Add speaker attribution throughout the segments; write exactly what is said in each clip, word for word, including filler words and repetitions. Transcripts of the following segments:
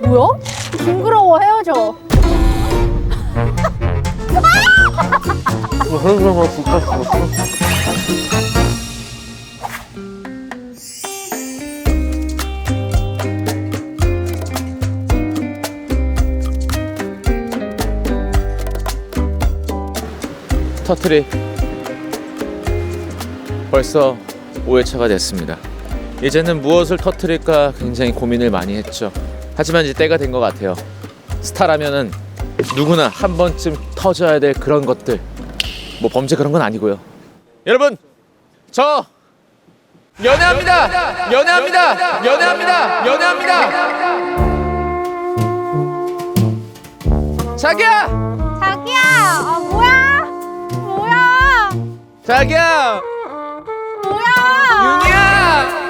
Speaker 1: 뭐야? 징그러워, 헤어져.
Speaker 2: 터트리 벌써 오 회차가 됐습니다. 이제는 무엇을 터트릴까 굉장히 고민을 많이 했죠. 하지만 이제 때가 된 것 같아요. 스타라면은 누구나 한 번쯤 터져야 될 그런 것들. 뭐 범죄 그런 건 아니고요. 여러분, 저 연애합니다. 연애합니다. 연애합니다. 연애합니다. 자기야.
Speaker 1: 자기야, 아 뭐야? 뭐야?
Speaker 2: 자기야.
Speaker 1: 뭐야?
Speaker 2: 윤이야.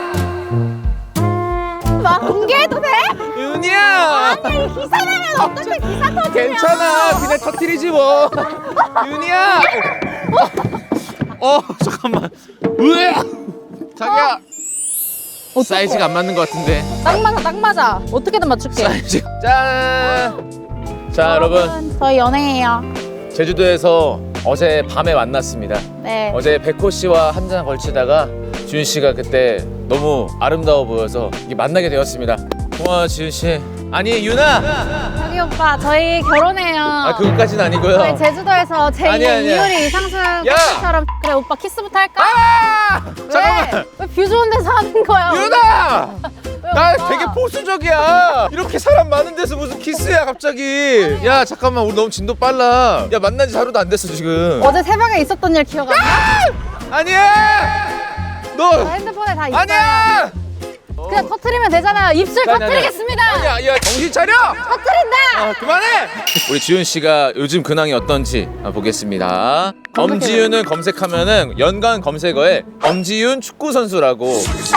Speaker 1: 막 공개해도 돼?
Speaker 2: 윤이야.
Speaker 1: 아니 기사 나면 어떻게 기사 터지냐?
Speaker 2: 괜찮아, 그냥 터트리지 뭐. 윤이야. 어, 어 잠깐만. 으아. 자기야.
Speaker 1: 어,
Speaker 2: 사이즈가 안 맞는 것 같은데.
Speaker 1: 딱 맞아, 딱 맞아. 어떻게든 맞출게.
Speaker 2: 사이즈. 짠. 자, 여러분.
Speaker 1: 저희 연애해요.
Speaker 2: 제주도에서 어제 밤에 만났습니다.
Speaker 1: 네.
Speaker 2: 어제 백호 씨와 한 잔 걸치다가 지훈 씨가 그때 너무 아름다워 보여서 이게 만나게 되었습니다. 고마워, 지훈 씨. 아니, 유나.
Speaker 1: 자기 오빠, 저희 결혼해요.
Speaker 2: 아, 그것까지는 아니고요.
Speaker 1: 저희 제주도에서 제
Speaker 2: 아니야, 아니야.
Speaker 1: 이효리 이상승
Speaker 2: 야!
Speaker 1: 커플처럼. 그래, 오빠 키스부터 할까?
Speaker 2: 아!
Speaker 1: 왜?
Speaker 2: 잠깐만.
Speaker 1: 왜 뷰 좋은 데서 하는 거야?
Speaker 2: 유나!
Speaker 1: 왜,
Speaker 2: 나
Speaker 1: 오빠?
Speaker 2: 되게 보수적이야. 이렇게 사람 많은 데서 무슨 키스야 갑자기. 야 잠깐만, 우리 너무 진도 빨라. 야 만난 지 하루도 안 됐어 지금.
Speaker 1: 어제 새벽에 있었던 일 기억 안 나?
Speaker 2: 아니야.
Speaker 1: 저
Speaker 2: 너
Speaker 1: 핸드폰에 다 있어요.
Speaker 2: 아니야.
Speaker 1: 그냥 터트리면 되잖아요. 입술
Speaker 2: 아니, 아니,
Speaker 1: 터트리겠습니다.
Speaker 2: 아니야, 야 정신 차려.
Speaker 1: 터트린다.
Speaker 2: 아, 그만해. 우리 지훈 씨가 요즘 근황이 어떤지 보겠습니다. 엄지윤을 검색하면은 연관 검색어에 엄지윤 축구 선수라고.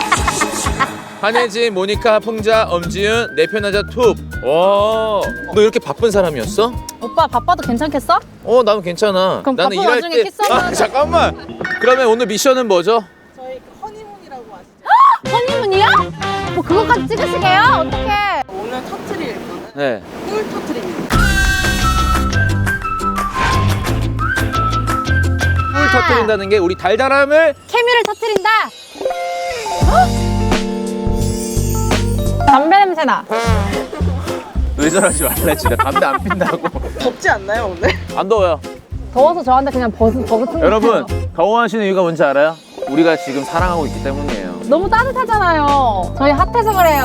Speaker 2: 한혜진, 모니카, 풍자, 엄지윤, 내 편하자 톱. 와, 너 이렇게 바쁜 사람이었어?
Speaker 1: 오빠 바빠도 괜찮겠어?
Speaker 2: 어, 나는 괜찮아.
Speaker 1: 그럼
Speaker 2: 나는
Speaker 1: 바쁜
Speaker 2: 일할
Speaker 1: 와중에
Speaker 2: 때.
Speaker 1: 키스하면
Speaker 2: 아, 잠깐만. 그러면 오늘 미션은 뭐죠?
Speaker 3: 저희 그 허니문이라고 아시죠?
Speaker 1: 허니문이요? 뭐 그것까지 찍으시게요? 어떡해.
Speaker 3: 오늘 터트릴 거는
Speaker 2: 네.
Speaker 3: 꿀 터트립니다.
Speaker 2: 꿀 터뜨린다는 게 우리 달달함을.
Speaker 1: 케미를 터트린다. 담배 냄새 나.
Speaker 2: 왜 저러지 말래, 진짜. 담배 안 핀다고.
Speaker 3: 덥지 않나요 오늘?
Speaker 2: 안 더워요.
Speaker 1: 더워서 저한테 그냥 버스 버튼.
Speaker 2: 여러분, 더워하시는 이유가 뭔지 알아요? 우리가 지금 사랑하고 있기 때문이에요.
Speaker 1: 너무 따뜻하잖아요. 저희 핫해서 그래요.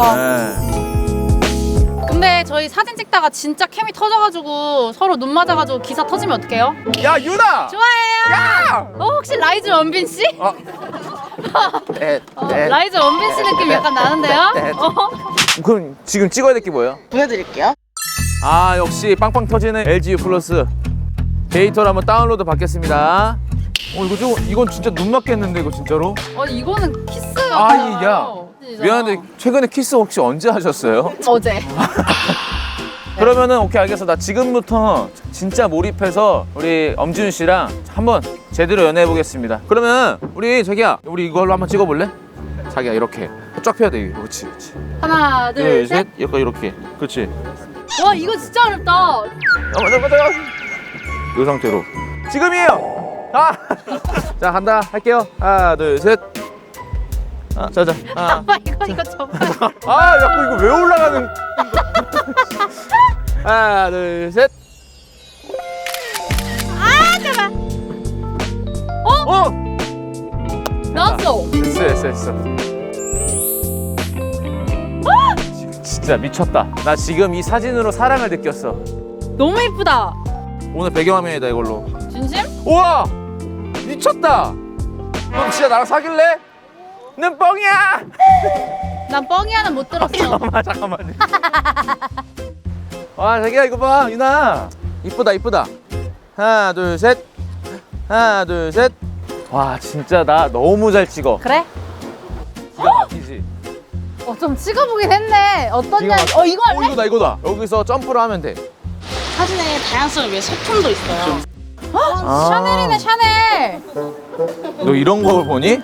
Speaker 2: 네.
Speaker 1: 근데 저희 사진 찍다가 진짜 캠이 터져가지고 서로 눈 맞아가지고 기사 터지면 어떡해요?
Speaker 2: 야, 유나!
Speaker 1: 좋아해요.
Speaker 2: 야!
Speaker 1: 어, 혹시 라이즈 원빈 씨?
Speaker 2: 어. 네,
Speaker 1: 어,
Speaker 2: 네.
Speaker 1: 라이즈 원빈 씨 느낌 약간 나는데요?
Speaker 2: 네, 네.
Speaker 1: 어?
Speaker 2: 그럼 지금 찍어야 될 게 뭐예요?
Speaker 3: 보여드릴게요.
Speaker 2: 아, 역시 빵빵 터지는 엘지유 플러스 데이터를 한번 다운로드 받겠습니다. 어, 이거 좀, 이건 진짜 눈 맞겠는데, 이거 진짜로?
Speaker 1: 아니 이거는 키스
Speaker 2: 아이,
Speaker 1: 같아요.
Speaker 2: 야. 미안한데, 최근에 키스 혹시 언제 하셨어요?
Speaker 1: 어제.
Speaker 2: 그러면은 오케이, 알겠어. 나 지금부터 진짜 몰입해서 우리 엄지윤 씨랑 한번 제대로 연애해 보겠습니다. 그러면 우리 자기야, 우리 이걸로 한번 찍어볼래? 자기야, 이렇게 쫙 펴야 돼. 그렇지, 그렇지.
Speaker 1: 하나 둘,
Speaker 2: 둘,
Speaker 1: 셋.
Speaker 2: 셋, 약간 이렇게. 그렇지.
Speaker 1: 와 이거 진짜 어렵다.
Speaker 2: 아, 맞아, 맞아. 이 상태로. 지금이에요. 아, 자 간다. 할게요. 하나, 둘, 셋. 아, 자자. 아,
Speaker 1: 오빠 이거 이거 정말.
Speaker 2: 아, 자꾸 이거 왜 올라가는? 하나, 둘, 셋.
Speaker 1: 아 제발.
Speaker 2: 어,
Speaker 1: 나왔어.
Speaker 2: 됐어, 됐어, 됐어. 지- 진짜 미쳤다. 나 지금 이 사진으로 사랑을 느꼈어.
Speaker 1: 너무 이쁘다.
Speaker 2: 오늘 배경화면이다 이걸로.
Speaker 1: 진심?
Speaker 2: 우와, 미쳤다. 너 진짜 나랑 사귈래? 는 뻥이야.
Speaker 1: 난 뻥이야는 못 들었어.
Speaker 2: 잠깐만, 잠깐만. 와, 자기야 이거 봐, 유나. 이쁘다, 이쁘다. 하나, 둘, 셋. 하나, 둘, 셋. 와, 진짜 나 너무 잘 찍어.
Speaker 1: 그래?
Speaker 2: 기가 막히지.
Speaker 1: 어 좀 찍어보긴 했네. 어떠냐?
Speaker 2: 기가 막혀.
Speaker 1: 어 이거
Speaker 2: 어,
Speaker 1: 할래?
Speaker 2: 이거다, 이거다. 여기서 점프를 하면 돼.
Speaker 3: 사진에 다양성을 위해 소품도 있어요.
Speaker 2: 아.
Speaker 1: 샤넬이네 샤넬.
Speaker 2: 너 이런 걸 보니?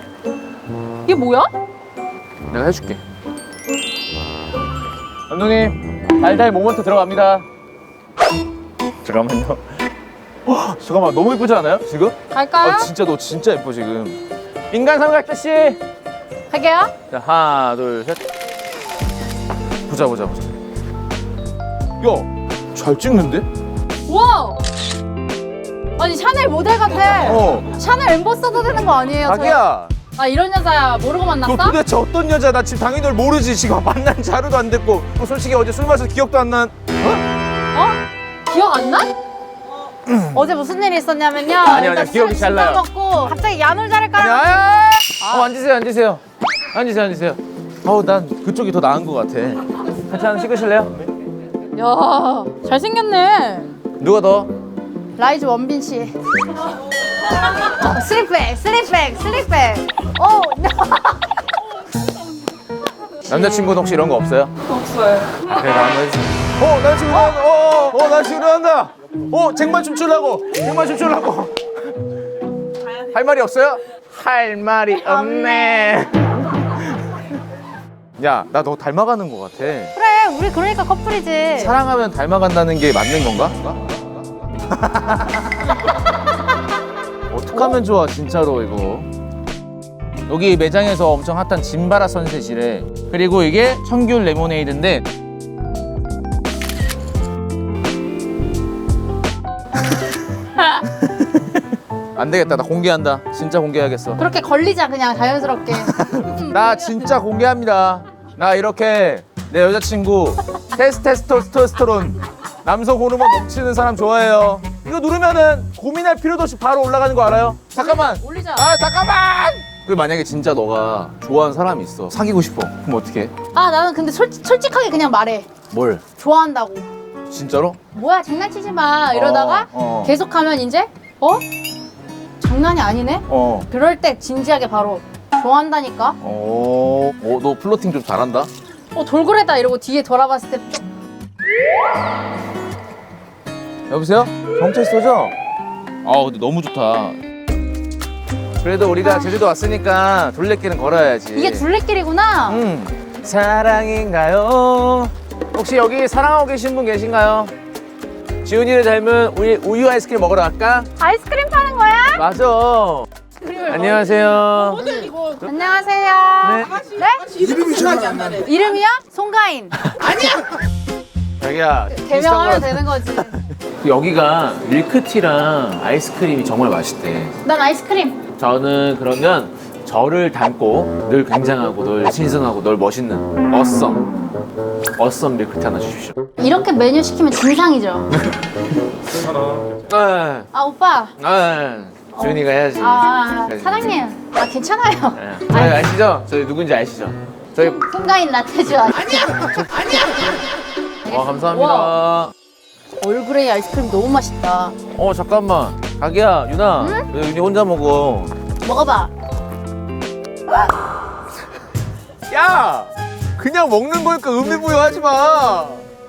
Speaker 1: 이게 뭐야?
Speaker 2: 내가 해줄게. 감독님, 달달 모먼트 들어갑니다. 잠깐만요. 와, 잠깐만 너무 예쁘지 않아요 지금?
Speaker 1: 갈까요?
Speaker 2: 아, 진짜 너 진짜 예뻐 지금. 인간 삼각대 씨.
Speaker 1: 갈게요.
Speaker 2: 자 하나 둘 셋. 보자 보자 보자. 야, 잘 찍는데?
Speaker 1: 우와! 아니 샤넬 모델 같아.
Speaker 2: 어.
Speaker 1: 샤넬 엠버서더 되는 거 아니에요?
Speaker 2: 자기야.
Speaker 1: 저? 아 이런 여자야 모르고
Speaker 2: 너
Speaker 1: 만났어?
Speaker 2: 도대체 어떤 여자야? 나 지금 당연히 널 모르지. 지금 만난 지 하루도 안 됐고. 너 솔직히 어제 술 마셔서 기억도 안 난. 어?
Speaker 1: 어? 기억 안 나? 어제 무슨 일이 있었냐면요.
Speaker 2: 아니요, 아니요.
Speaker 1: 일단
Speaker 2: 기억이
Speaker 1: 술을
Speaker 2: 잘 나요.
Speaker 1: 진짜 먹고 갑자기 야놀자를
Speaker 2: 아니,
Speaker 1: 깔아.
Speaker 2: 아, 어, 앉으세요, 앉으세요. 앉으세요, 앉으세요. 어우, 난 그쪽이 더 나은 것 같아. 같이 한번 찍으실래요?
Speaker 1: 야 잘생겼네.
Speaker 2: 누가 더?
Speaker 1: 라이즈 원빈 씨. 슬립백, 슬립백, 슬립백. 어.
Speaker 2: 남자친구는 혹시 이런 거 없어요? 없어요. 아, 그래, 나 한번 해주세요. 어, 남자친구 나온다. 어, 어, 남자친구 나온다. 어, 쟁반 춤추려고. 쟁반 춤추려고. 할 말이 없어요? 할 말이 없네. 야, 나 너 닮아가는 것 같아.
Speaker 1: 그래 우리 그러니까 커플이지.
Speaker 2: 사랑하면 닮아간다는 게 맞는 건가? 어떡하면 좋아 진짜로 이거. 여기 매장에서 엄청 핫한 진바라 선셋이래. 그리고 이게 청귤 레모네이드인데 안 되겠다. 나 공개한다. 진짜 공개하겠어.
Speaker 1: 그렇게 걸리자 그냥 자연스럽게.
Speaker 2: 나 진짜 공개합니다. 나 이렇게 내 여자친구 테스테스토스테스테론 남성 호르몬 넘치는 사람 좋아해요. 이거 누르면은 고민할 필요도 없이 바로 올라가는 거 알아요? 잠깐만.
Speaker 1: 올리자.
Speaker 2: 아 잠깐만. 그 만약에 진짜 너가 좋아하는 사람이 있어. 사귀고 싶어. 그럼 어떻게 해?
Speaker 1: 아 나는 근데 솔, 솔직하게 그냥 말해.
Speaker 2: 뭘?
Speaker 1: 좋아한다고.
Speaker 2: 진짜로?
Speaker 1: 뭐야 장난치지 마 이러다가
Speaker 2: 어, 어.
Speaker 1: 계속하면 이제 어? 장난이 아니네?
Speaker 2: 어.
Speaker 1: 그럴 때 진지하게 바로 좋아한다니까?
Speaker 2: 어. 어, 너 플로팅 좀 잘한다.
Speaker 1: 어 돌고래다 이러고 뒤에 돌아봤을 때
Speaker 2: 여보세요? 경찰서죠? 아 근데 너무 좋다. 그래도 우리가 제주도 왔으니까 둘레길은 걸어야지.
Speaker 1: 이게 둘레길이구나?
Speaker 2: 음. 사랑인가요? 혹시 여기 사랑하고 계신 분 계신가요? 지훈이를 닮은 우리 우유 아이스크림 먹으러 갈까?
Speaker 1: 아이스크림 파는 거야?
Speaker 2: 맞아. 안녕하세요.
Speaker 1: 안녕하세요. 네?
Speaker 3: 이름이 생각이 안 나네.
Speaker 1: 이름이요? 송가인.
Speaker 2: 자기야.
Speaker 1: 개명하면
Speaker 2: 비슷한
Speaker 1: 되는 거지.
Speaker 2: 거- 여기가 밀크티랑 아이스크림이 정말 맛있대.
Speaker 1: 난 아이스크림.
Speaker 2: 저는 그러면 저를 닮고 늘 굉장하고 늘 신선하고 늘 멋있는 어썸 어썸 밀크티 하나 주십시오.
Speaker 1: 이렇게 메뉴 시키면 진상이죠.
Speaker 2: 네.
Speaker 1: 아 오빠.
Speaker 2: 네. 주은이가 해야지.
Speaker 1: 아
Speaker 2: 그래.
Speaker 1: 사장님. 아 괜찮아요.
Speaker 2: 네. 저희 아시죠? 저희 누군지 아시죠? 저희
Speaker 1: 송가인 라떼죠. 아니야.
Speaker 2: 어 감사합니다.
Speaker 1: 얼그레이 아이스크림 너무 맛있다.
Speaker 2: 어 잠깐만. 자기야 유나 왜 윤이 혼자 먹어?
Speaker 1: 먹어봐.
Speaker 2: 야 그냥 먹는 거니까 의미 부여하지 마.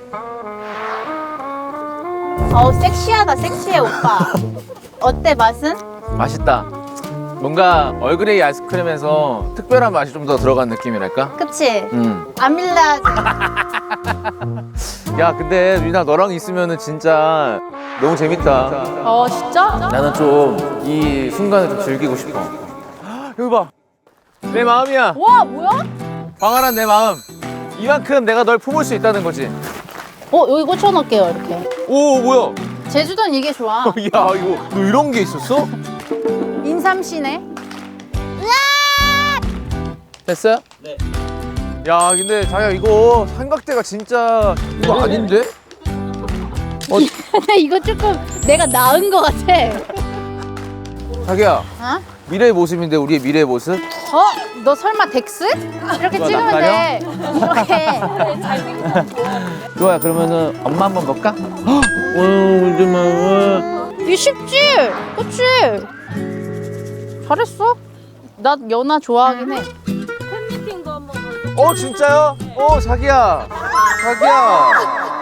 Speaker 1: 어우 섹시하다 섹시해 오빠. 어때 맛은?
Speaker 2: 맛있다. 뭔가 얼그레이 아이스크림에서 특별한 맛이 좀 더 들어간 느낌이랄까?
Speaker 1: 그치?
Speaker 2: 음.
Speaker 1: 아밀라.
Speaker 2: 야 근데 유나 너랑 있으면은 진짜 너무 재밌다.
Speaker 1: 어 진짜?
Speaker 2: 나는 좀 이 순간을 좀 즐기고 싶어. 여기 봐. 내 마음이야.
Speaker 1: 와 뭐야?
Speaker 2: 광활한 내 마음. 이만큼 내가 널 품을 수 있다는 거지.
Speaker 1: 어 여기 꽂혀놓을게요 이렇게.
Speaker 2: 오 뭐야?
Speaker 1: 제주도는 이게 좋아.
Speaker 2: 야 이거 너 이런 게 있었어?
Speaker 1: 인삼시네.
Speaker 2: 됐어요? 네. 야 근데 자기야 이거 삼각대가 진짜 이거 아닌데? 어
Speaker 1: 근데 이거 조금 내가 나은 것 같아.
Speaker 2: 자기야
Speaker 1: 어?
Speaker 2: 미래의 모습인데 우리의 미래의 모습?
Speaker 1: 어? 너 설마 덱스? 이렇게
Speaker 2: 누가
Speaker 1: 찍으면
Speaker 2: 낯가려?
Speaker 1: 돼. 이렇게.
Speaker 2: 좋아요 그러면은 엄마 한번 볼까? 어 울지 마.
Speaker 1: 이게 쉽지? 그치? 잘했어. 나 연아 좋아하긴 해.
Speaker 2: 어 진짜요? 어 자기야 자기야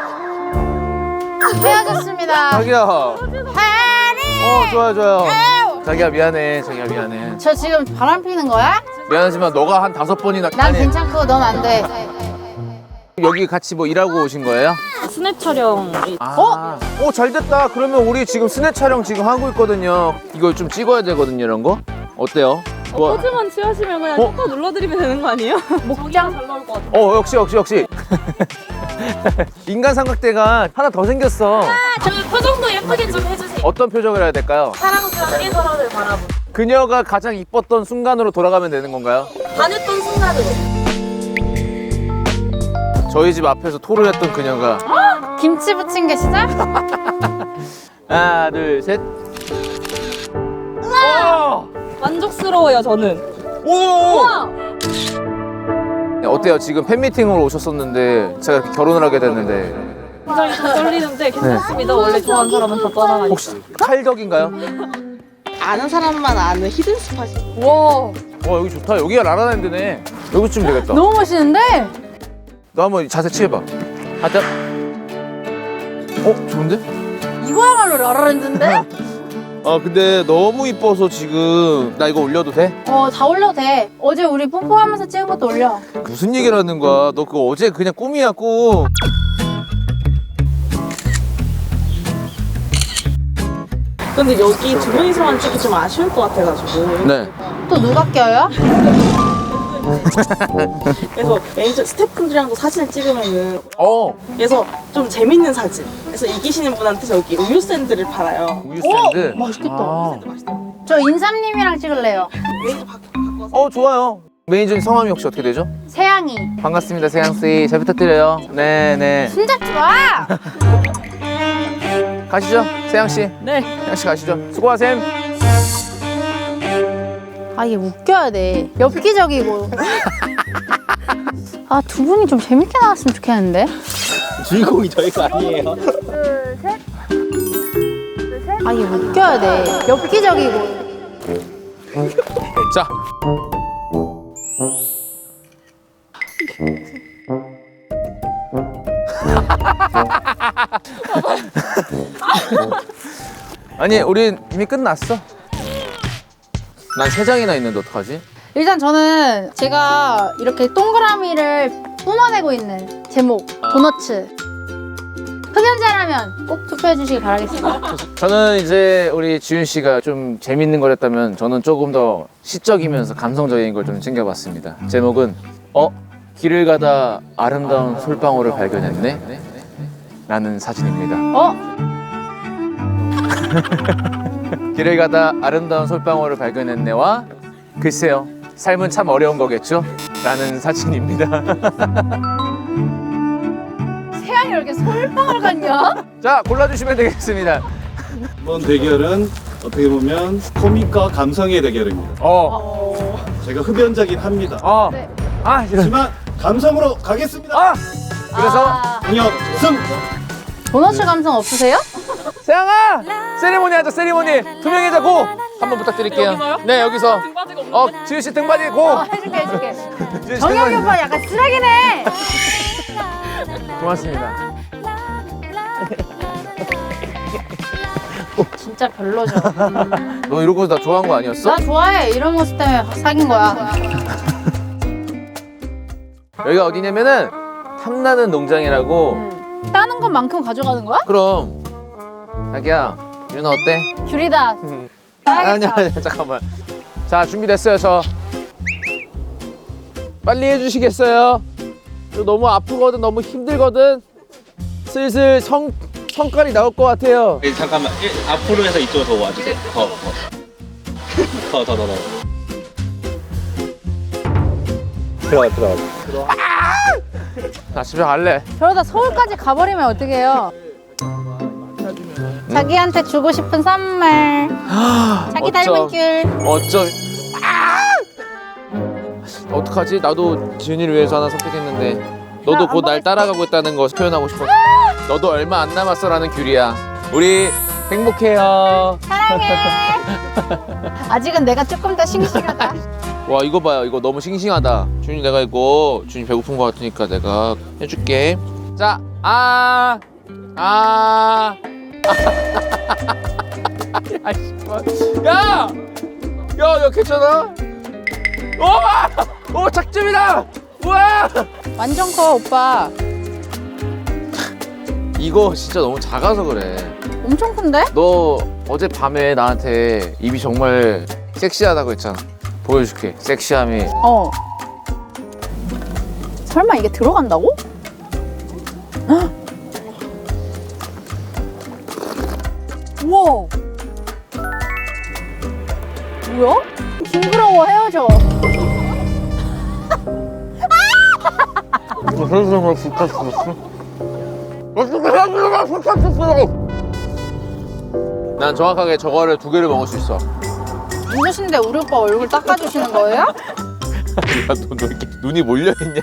Speaker 1: 헤어졌습니다.
Speaker 2: 자기야 어
Speaker 1: 하니.
Speaker 2: 좋아요 좋아요 자기야 미안해 자기야 미안해
Speaker 1: 저 지금 바람 피는 거야?
Speaker 2: 미안하지만 너가 한 다섯 번이나
Speaker 1: 난
Speaker 2: 아니,
Speaker 1: 괜찮고 넌 안 돼.
Speaker 2: 여기 같이 뭐 일하고 오신 거예요?
Speaker 3: 스냅 촬영.
Speaker 2: 아. 어? 오, 잘 됐다. 그러면 우리 지금 스냅 촬영 지금 하고 있거든요. 이걸 좀 찍어야 되거든요, 이런 거. 어때요? 뭐-
Speaker 3: 포즈만 취하시면 그냥
Speaker 2: 어?
Speaker 3: 톡 눌러드리면 되는 거 아니에요? 목장 잘 나올 것 같아.
Speaker 2: 어, 역시 역시 역시. 인간 삼각대가 하나 더 생겼어.
Speaker 3: 저 표정도 예쁘게 좀 해주세요.
Speaker 2: 어떤 표정을 해야 될까요?
Speaker 3: 사랑스럽게 서로를 바라보고.
Speaker 2: 그녀가 가장 이뻤던 순간으로 돌아가면 되는 건가요?
Speaker 3: 반했던 순간으로.
Speaker 2: 저희 집 앞에서 토를 했던 그녀가.
Speaker 1: 김치 부친 게 시작?
Speaker 2: 하나, 둘, 셋. 우와!
Speaker 3: 만족스러워요, 저는.
Speaker 2: 오! 네, 어때요? 지금 팬미팅으로 오셨었는데 제가 이렇게 결혼을 하게 됐는데
Speaker 3: 굉장히 좀 떨리는데 괜찮습니다. 원래 좋아하는 사람은 다 떠나가니까.
Speaker 2: 혹시 칼덕인가요?
Speaker 3: 아는 사람만 아는 히든 스팟이.
Speaker 1: 와
Speaker 2: 와, 여기 좋다. 여기가 라라랜드네. 여기쯤 되겠다.
Speaker 1: 너무 멋있는데?
Speaker 2: 너 한번 자세 취해봐. 하자. 어? 좋은데?
Speaker 1: 이거야말로 라라랜드인데?
Speaker 2: 아 근데 너무 이뻐서 지금 나 이거 올려도 돼?
Speaker 1: 어 다 올려도 돼. 어제 우리 뽀뽀하면서 찍은 것도 올려.
Speaker 2: 무슨 얘기를 하는 거야? 너 그거 어제 그냥 꿈이야 꿈.
Speaker 3: 근데 여기 두 분이서만 찍기 좀 아쉬울 것 같아가지고.
Speaker 2: 네.
Speaker 1: 또 누가 껴요?
Speaker 3: 그래서 매니저 스태프분들이랑도 사진을 찍으면은
Speaker 2: 어.
Speaker 3: 그래서 좀 재밌는 사진. 그래서 이기시는 분한테 저기 우유 샌드를 팔아요.
Speaker 2: 우유 샌드.
Speaker 1: 맛있겠다.
Speaker 2: 아.
Speaker 1: 저 인삼님이랑 찍을래요.
Speaker 3: 매니저 바, 바꿔서.
Speaker 2: 어 좋아요. 매니저님 성함이 혹시 어떻게 되죠?
Speaker 1: 세양이.
Speaker 2: 반갑습니다 세양 씨. 잘 부탁드려요. 네네.
Speaker 1: 손잡지 마!
Speaker 2: 가시죠 세양 씨.
Speaker 3: 네.
Speaker 2: 세양 씨 가시죠. 수고하셈.
Speaker 1: 아 이게 웃겨야 돼. 엽기적이고. 아 두 분이 좀 재밌게 나왔으면 좋겠는데?
Speaker 4: 주인공이 저희가 아니에요.
Speaker 1: 둘 셋. 둘 셋. 아 이게 웃겨야 돼. 엽기적이고.
Speaker 2: 자. 아니 우린 이미 끝났어. 난 세 장이나 있는데 어떡하지?
Speaker 1: 일단 저는 제가 이렇게 동그라미를 뿜어내고 있는 제목 도너츠. 흡연자라면 꼭 투표해 주시길 바라겠습니다.
Speaker 2: 저는 이제 우리 지윤 씨가 좀 재밌는 걸 했다면 저는 조금 더 시적이면서 감성적인 걸 좀 챙겨봤습니다. 제목은 어? 길을 가다 아름다운 솔방울을 발견했네? 라는 사진입니다.
Speaker 1: 어?
Speaker 2: 길을 가다 아름다운 솔방울을 발견했네와 글쎄요 삶은 참 어려운 거겠죠? 라는 사진입니다.
Speaker 1: 세양이 왜 이렇게 솔방울 같냐?
Speaker 2: 자 골라주시면 되겠습니다.
Speaker 4: 이번 대결은 어떻게 보면 코믹과 감성의 대결입니다.
Speaker 2: 어,
Speaker 4: 제가 흡연자긴 합니다.
Speaker 2: 어,
Speaker 1: 네.
Speaker 2: 아, 이런.
Speaker 4: 하지만 감성으로 가겠습니다.
Speaker 2: 아, 그래서
Speaker 1: 아,
Speaker 4: 공격 승!
Speaker 1: 도너츠 감성 없으세요?
Speaker 2: 세양아, 세리머니 하자, 세리머니. 두 명이자 고. 한번 부탁드릴게요.
Speaker 3: 여기서요?
Speaker 2: 네, 여기서.
Speaker 3: 등받이가 없는
Speaker 2: 어, 지윤 씨 등받이 고.
Speaker 1: 어, 해줄게 해줄게.
Speaker 2: 지윤 씨
Speaker 1: 정혁이
Speaker 2: 등받이.
Speaker 1: 오빠 약간 쓰레기네.
Speaker 2: 고맙습니다.
Speaker 1: 진짜 별로죠. 음.
Speaker 2: 너 이러고 나 좋아한 거 아니었어?
Speaker 1: 나 좋아해. 이런 모습 때문에 사귄 거야.
Speaker 2: 여기가 어디냐면은 탐나는 농장이라고.
Speaker 1: 음. 따는 것만큼 가져가는 거야?
Speaker 2: 그럼. 자기야, 유나 어때?
Speaker 1: 귤이다.
Speaker 2: 아니야, 아니야, 잠깐만. 자, 준비됐어요, 저. 빨리 해주시겠어요? 저 너무 아프거든, 너무 힘들거든. 슬슬 성, 성깔이 나올 것 같아요.
Speaker 4: 예, 잠깐만 예, 앞으로 해서 이쪽으로 더 와주세요. 더, 더. 더, 더, 더, 더. 들어가, 들어가.
Speaker 2: 나 집에 갈래.
Speaker 1: 저러다 서울까지 가버리면 어떡해요? 자기한테 주고 싶은 선물. 자기 닮은
Speaker 2: 어쩜.
Speaker 1: 귤.
Speaker 2: 어쩜. 아! 어떡하지? 나도 지윤이를 위해서 하나 선택했는데 너도 곧 날 따라가고 있다는 거 표현하고 싶어. 너도 얼마 안 남았어라는 귤이야. 우리 행복해요.
Speaker 1: 사랑해. 아직은 내가 조금 더 싱싱하다.
Speaker 2: 와 이거 봐요. 이거 너무 싱싱하다. 준이 내가 이거 준이 배고픈 거 같으니까 내가 해줄게. 자, 아, 아, 야, 야, 야, 괜찮아? 오, 오, 작점이다. 우와.
Speaker 1: 완전 커 오빠.
Speaker 2: 이거 진짜 너무 작아서 그래.
Speaker 1: 엄청 큰데?
Speaker 2: 너 어제 밤에 나한테 입이 정말 섹시하다고 했잖아. 보여줄게. 섹시함이.
Speaker 1: 어. 설마 이게 들어간다고? 헉! 우와. 뭐야? 징그러워, 헤어져.
Speaker 2: 세상을 부탁했어. 어떻게 세상을 부탁했어? 난 정확하게 저거를 두 개를 먹을 수 있어.
Speaker 1: 힘드신데 우리 오빠 얼굴 닦아주시는 거예요?
Speaker 2: 야, 너, 너 이렇게 눈이 몰려있냐?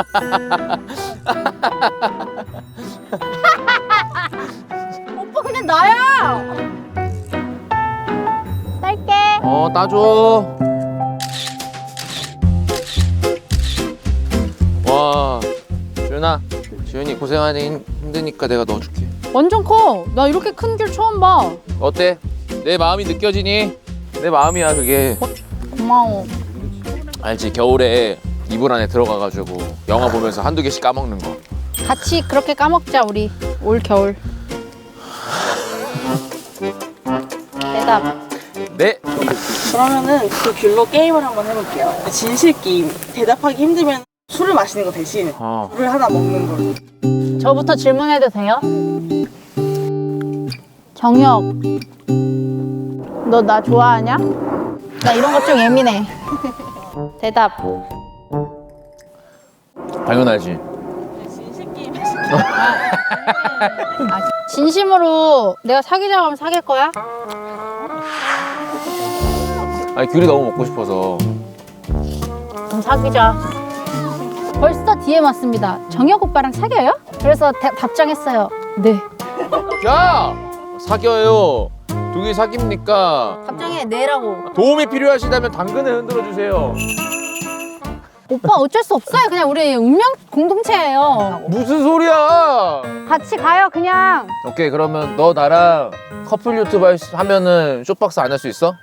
Speaker 1: 오빠 그냥 나야! 딸게.
Speaker 2: 어, 따줘. 와, 지윤아. 지윤이 고생하니 힘- 힘드니까 내가 넣어줄게.
Speaker 1: 완전 커. 나 이렇게 큰 귤 처음 봐.
Speaker 2: 어때? 내 마음이 느껴지니? 내 마음이야, 그게.
Speaker 1: 고마워.
Speaker 2: 알지? 겨울에 이불 안에 들어가가지고 영화 보면서 한두 개씩 까먹는 거.
Speaker 1: 같이 그렇게 까먹자, 우리. 올 겨울. 대답.
Speaker 2: 네.
Speaker 3: 그러면은 그 귤로 게임을 한번 해볼게요. 진실 게임. 대답하기 힘들면 술을 마시는 거 대신
Speaker 2: 어.
Speaker 3: 물을 하나 먹는 걸로.
Speaker 1: 저부터 질문해도 돼요? 정혁, 너 나 좋아하냐? 나 이런 거 좀 예민해. 대답.
Speaker 2: 당연하지.
Speaker 3: 진실 게임 하시는
Speaker 1: 아, 진심으로 내가 사귀자고 하면 사귈 거야?
Speaker 2: 아니, 귤이 너무 먹고 싶어서.
Speaker 1: 그럼 사귀자. 벌써 디엠 왔습니다. 정혁 오빠랑 사귀어요? 그래서 대- 답장했어요. 네.
Speaker 2: 야! 사겨요. 두 개 사깁니까?
Speaker 1: 답장에 네라고.
Speaker 2: 도움이 필요하시다면 당근을 흔들어 주세요.
Speaker 1: 오빠 어쩔 수 없어요. 그냥 우리 운명 공동체예요.
Speaker 2: 무슨 소리야?
Speaker 1: 같이 가요, 그냥.
Speaker 2: 오케이, 그러면 너 나랑 커플 유튜브 할 수- 하면은 쇼박스 안 할 수 있어?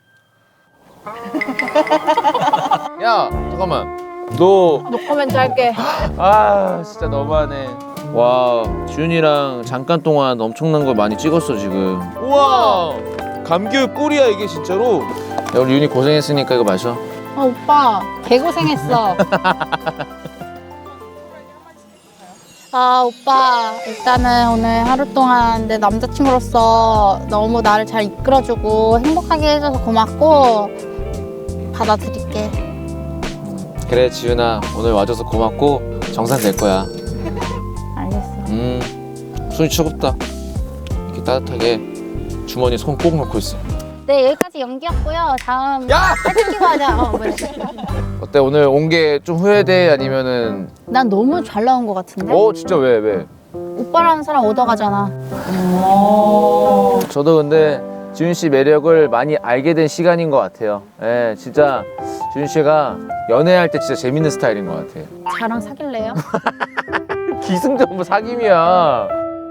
Speaker 2: 야, 잠깐만. 너,
Speaker 1: 노코멘트 할게.
Speaker 2: 아, 진짜 너무하네. 와, 지훈이랑 잠깐 동안 엄청난 걸 많이 찍었어, 지금. 우와! 감귤 꿀이야, 이게 진짜로. 야, 우리 윤이 고생했으니까 이거 마셔.
Speaker 1: 어, 오빠 개고생했어. 아, 오빠 일단은 오늘 하루 동안 내 남자친구로서 너무 나를 잘 이끌어주고 행복하게 해줘서 고맙고 받아들일게.
Speaker 2: 그래, 지훈아. 오늘 와줘서 고맙고 정산 될 거야.
Speaker 1: 알겠어.
Speaker 2: 음, 손이 차갑다. 이렇게 따뜻하게 주머니에 손 꼭 넣고 있어.
Speaker 1: 네, 여기까지 연기였고요. 다음
Speaker 2: 야!
Speaker 1: 사진 찍고 하자. 어, 그래.
Speaker 2: 어때? 오늘 온 게 좀 후회돼? 아니면은
Speaker 1: 난 너무 잘 나온 것 같은데?
Speaker 2: 어? 진짜 왜? 왜?
Speaker 1: 오빠라는 사람 얻어가잖아.
Speaker 2: 저도 근데 지훈 씨 매력을 많이 알게 된 시간인 것 같아요. 예, 진짜 지훈 씨가 연애할 때 진짜 재밌는 스타일인 것 같아요.
Speaker 1: 저랑 사귈래요?
Speaker 2: 기승전부 사귐이야.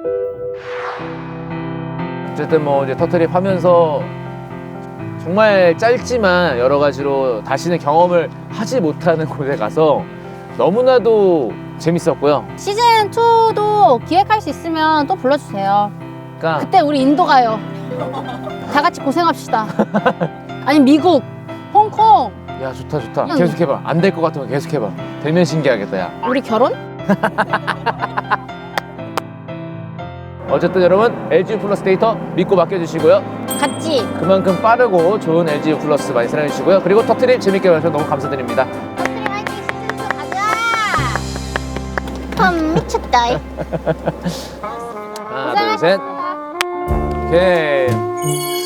Speaker 2: 어쨌든 뭐 이제 터트립 하면서 정말 짧지만 여러 가지로 다시는 경험을 하지 못하는 곳에 가서 너무나도 재밌었고요.
Speaker 1: 시즌 투도 기획할 수 있으면 또 불러주세요.
Speaker 2: 그러니까
Speaker 1: 그때 우리 인도 가요. 다 같이 고생합시다. 아니 미국, 홍콩,
Speaker 2: 야, 좋다 좋다.
Speaker 1: 그냥-
Speaker 2: 계속해봐. 안 될 것 같으면 계속해봐. 되면 신기하겠다, 야.
Speaker 1: 우리 결혼?
Speaker 2: 어쨌든 여러분 엘지 플러스 데이터 믿고 맡겨주시고요.
Speaker 1: 같이.
Speaker 2: 그만큼 빠르고 좋은 엘지 플러스 많이 사랑해주시고요. 그리고 터트립 재밌게 봐주셔서 너무 감사드립니다.
Speaker 1: 터트리 화이팅 시즌 투 가자. 음 미쳤다.
Speaker 2: 하나, 둘, 셋. 오케이.